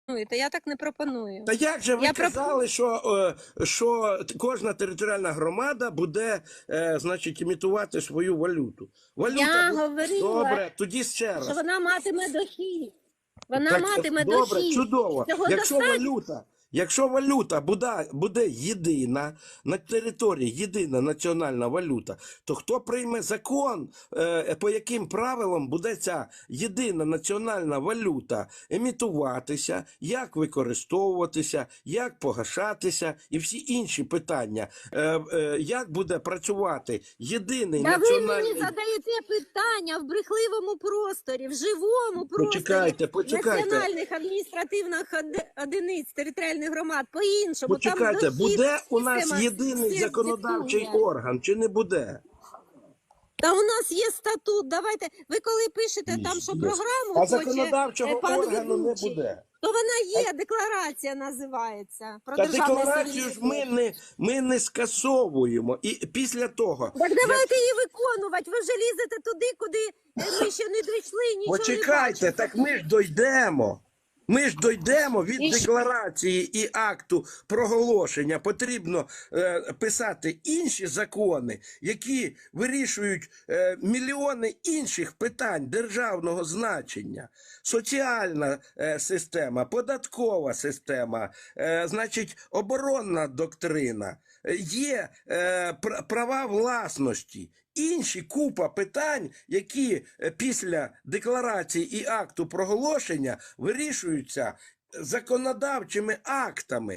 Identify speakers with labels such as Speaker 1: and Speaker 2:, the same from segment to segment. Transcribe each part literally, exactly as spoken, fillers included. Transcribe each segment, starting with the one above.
Speaker 1: Я так не пропоную.
Speaker 2: Та як же ви
Speaker 1: Я
Speaker 2: казали,
Speaker 1: проп...
Speaker 2: що, е, що кожна територіальна громада буде, е, значить, імітувати свою валюту? Валюта
Speaker 1: Я
Speaker 2: буде...
Speaker 1: говорила,
Speaker 2: Добре, тоді ще раз.
Speaker 1: що вона матиме дохід. Вона
Speaker 2: Так,
Speaker 1: матиме
Speaker 2: добре,
Speaker 1: дохід.
Speaker 2: чудово.
Speaker 1: Цього
Speaker 2: Якщо
Speaker 1: достатньо.
Speaker 2: валюта, якщо валюта буде, буде єдина, на території єдина національна валюта, то хто прийме закон, е, по яким правилам буде ця єдина національна валюта емітуватися, як використовуватися, як погашатися і всі інші питання, е, е, як буде працювати єдиний
Speaker 1: Та
Speaker 2: національний...
Speaker 1: ви мені задаєте питання в брехливому просторі, в живому просторі
Speaker 2: Почекайте, почекайте.
Speaker 1: національних адміністративних одиниць територіальних громад по-іншому.
Speaker 2: Почекайте,
Speaker 1: там дохід,
Speaker 2: буде у нас
Speaker 1: система
Speaker 2: єдиний
Speaker 1: всіх
Speaker 2: законодавчий
Speaker 1: диктує.
Speaker 2: орган, чи не буде?
Speaker 1: Та у нас є статут. Давайте, ви коли пишете там, що програму
Speaker 2: А
Speaker 1: хоче
Speaker 2: законодавчого
Speaker 1: е, пан
Speaker 2: органу не
Speaker 1: ведучий,
Speaker 2: буде.
Speaker 1: то вона є, декларація називається. Про
Speaker 2: Та
Speaker 1: державне
Speaker 2: декларацію ж ми
Speaker 1: суверенітет.
Speaker 2: не, ми не скасовуємо. І після того...
Speaker 1: Так давайте її виконувати. Ви вже лізете туди, куди ми ще не дійшли, нічого
Speaker 2: Почекайте,
Speaker 1: не
Speaker 2: так ми ж дойдемо. Ми ж дойдемо від
Speaker 1: І що?
Speaker 2: декларації і акту проголошення. Потрібно е, писати інші закони, які вирішують е, мільйони інших питань державного значення. Соціальна е, система, податкова система, е, значить, оборонна доктрина, е, є е, пр- права власності. Інші купа питань, які е, після декларації і акту проголошення вирішуються законодавчими актами,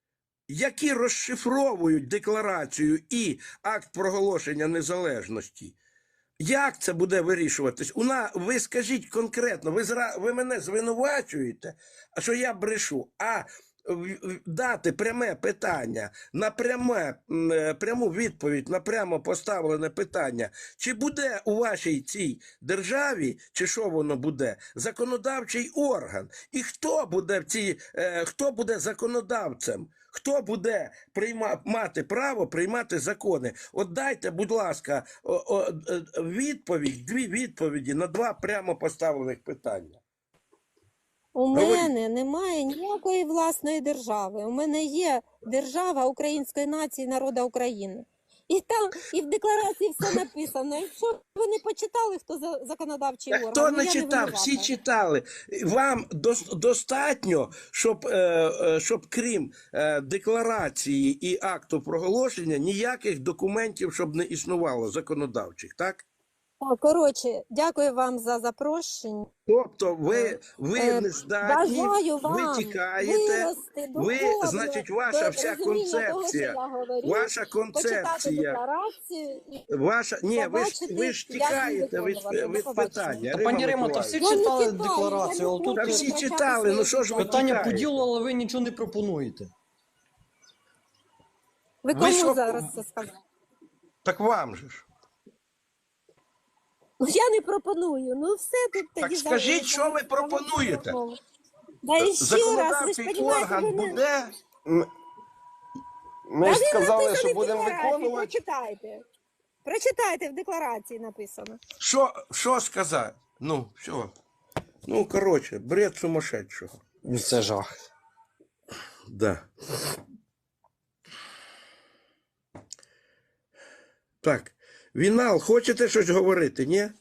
Speaker 2: які розшифровують декларацію і акт проголошення незалежності. Як це буде вирішуватись? Уна, ви скажіть конкретно, ви, зра... ви мене звинувачуєте, а що я брешу, а дати пряме питання, на пряме, пряму відповідь на прямо поставлене питання, чи буде у вашій цій державі, чи що воно буде, законодавчий орган, і хто буде в цій, е, хто буде законодавцем, хто буде прийма, мати право приймати закони. От дайте, будь ласка, о, о, відповідь, дві відповіді на два прямо поставлених питання.
Speaker 1: У мене немає ніякої власної держави. У мене є держава української нації, народу України. І там, і в декларації все написано. Якщо ви не почитали, хто за законодавчий орган,
Speaker 2: Хто
Speaker 1: ну,
Speaker 2: не
Speaker 1: я
Speaker 2: читав,
Speaker 1: не
Speaker 2: всі
Speaker 1: винувата.
Speaker 2: читали. Вам дос- достатньо, щоб, е, е, щоб крім е, декларації і акту проголошення, ніяких документів, щоб не існувало законодавчих, так?
Speaker 1: Так, коротше, дякую вам за запрошення.
Speaker 2: Тобто ви, ви
Speaker 1: Е,
Speaker 2: не здатні,
Speaker 1: Бажаю вам
Speaker 2: ви тікаєте,
Speaker 1: вирости
Speaker 2: ви,
Speaker 1: духовно
Speaker 2: значить, ваша
Speaker 1: до
Speaker 2: вся
Speaker 1: розуміння того,
Speaker 2: концепція,
Speaker 1: що я говорю,
Speaker 2: ваша
Speaker 1: почитати
Speaker 2: концепція,
Speaker 1: декларацію і
Speaker 2: ваша, ні, ви ж,
Speaker 1: побачити,
Speaker 2: ви ж
Speaker 1: як її
Speaker 2: тікаєте від,
Speaker 1: виконувати. До
Speaker 2: від
Speaker 1: побачення.
Speaker 2: питання.
Speaker 3: Та,
Speaker 2: Рима
Speaker 3: пані Римо, та всі
Speaker 2: Миколаївна.
Speaker 1: Я не
Speaker 3: читали
Speaker 1: читаю,
Speaker 3: декларацію,
Speaker 1: я
Speaker 3: але
Speaker 1: не
Speaker 3: тут
Speaker 2: Та
Speaker 1: хочу
Speaker 2: всі
Speaker 1: втрачати
Speaker 2: читали, ну що ж ви
Speaker 3: питання
Speaker 2: тікаєте?
Speaker 3: поділу, але ви нічого не пропонуєте.
Speaker 1: Ви
Speaker 2: Ви
Speaker 1: кому
Speaker 2: що-
Speaker 1: зараз це сказали?
Speaker 2: Так вам же ж.
Speaker 1: Ну я не пропоную. Ну все тут
Speaker 2: Так
Speaker 1: тоді
Speaker 2: скажіть,
Speaker 1: за-
Speaker 2: що ви
Speaker 1: за-
Speaker 2: пропонуєте?
Speaker 1: Да і ще раз, ви ж
Speaker 2: Законодавчий
Speaker 1: розумієте,
Speaker 2: орган
Speaker 1: ви не...
Speaker 2: буде.
Speaker 4: Ми
Speaker 1: Та
Speaker 4: ж
Speaker 1: він
Speaker 4: сказали,
Speaker 1: написаний
Speaker 4: що
Speaker 1: в
Speaker 4: будемо
Speaker 1: декларації,
Speaker 4: виконувати.
Speaker 1: Прочитайте. Прочитайте, в декларації написано.
Speaker 2: Що, що сказати? Ну, все. Ну, коротше, бред сумасшедшого.
Speaker 3: Це жах.
Speaker 2: Да. Так. Вінал, хочете щось говорити, ні?